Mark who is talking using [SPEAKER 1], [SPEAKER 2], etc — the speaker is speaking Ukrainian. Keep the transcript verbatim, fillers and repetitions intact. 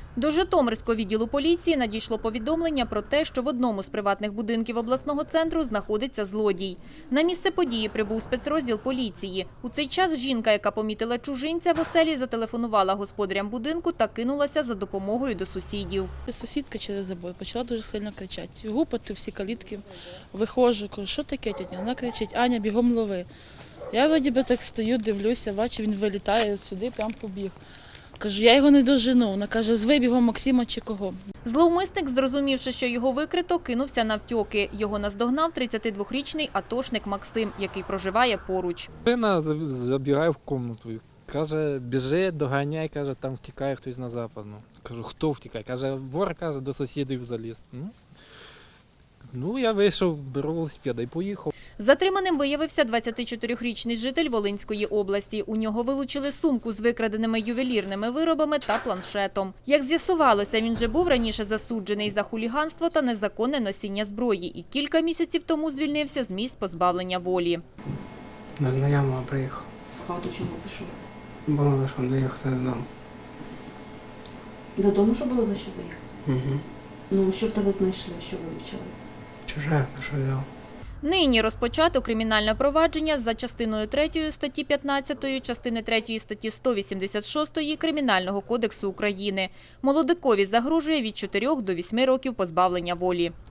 [SPEAKER 1] До Житомирського відділу поліції надійшло повідомлення про те, що в одному з приватних будинків обласного центру знаходиться злодій. На місце події прибув спецрозділ поліції. У цей час жінка, яка помітила чужинця в оселі, зателефонувала господарям будинку та кинулася за допомогою до сусідів.
[SPEAKER 2] Сусідка через забор почала дуже сильно кричати. Гупати всі калітки. Виходжу, кажу, що таке, тітя? Вона кричить: Аня, бігом лови. Я вроді би так стою, дивлюся, бачу, він вилітає сюди, прям побіг. Кажу, я його не дожену. Вона каже, звий бігом Максима чи кого.
[SPEAKER 1] Зловмисник, зрозумівши, що його викрито, кинувся навтьоки. Його наздогнав тридцятидвохрічний атошник Максим, який проживає поруч.
[SPEAKER 3] Вона забігає в кімнату, каже, біжи, доганяй, каже, там втікає хтось на западну. Кажу, хто втікає? Каже, вор, каже, до сусідів заліз. Ну, ну я вийшов, беру велосипеда і поїхав.
[SPEAKER 1] Затриманим виявився двадцятичотирирічний житель Волинської області. У нього вилучили сумку з викраденими ювелірними виробами та планшетом. Як з'ясувалося, він вже був раніше засуджений за хуліганство та незаконне носіння зброї і кілька місяців тому звільнився з місць позбавлення волі.
[SPEAKER 4] До знайомого приїхав,
[SPEAKER 5] А до чого пішов?
[SPEAKER 4] бо лише доїхати додому.
[SPEAKER 5] Додому, що було за що заїхати?
[SPEAKER 4] Угу.
[SPEAKER 5] Ну, що в тебе знайшли, що вивчили?
[SPEAKER 4] Чуже, що взяв.
[SPEAKER 1] Нині розпочато кримінальне провадження за частиною третьої статті п'ятнадцятої, частини третьої статті сто вісімдесят шостої Кримінального кодексу України. Молодикові загрожує від чотирьох до восьми років позбавлення волі.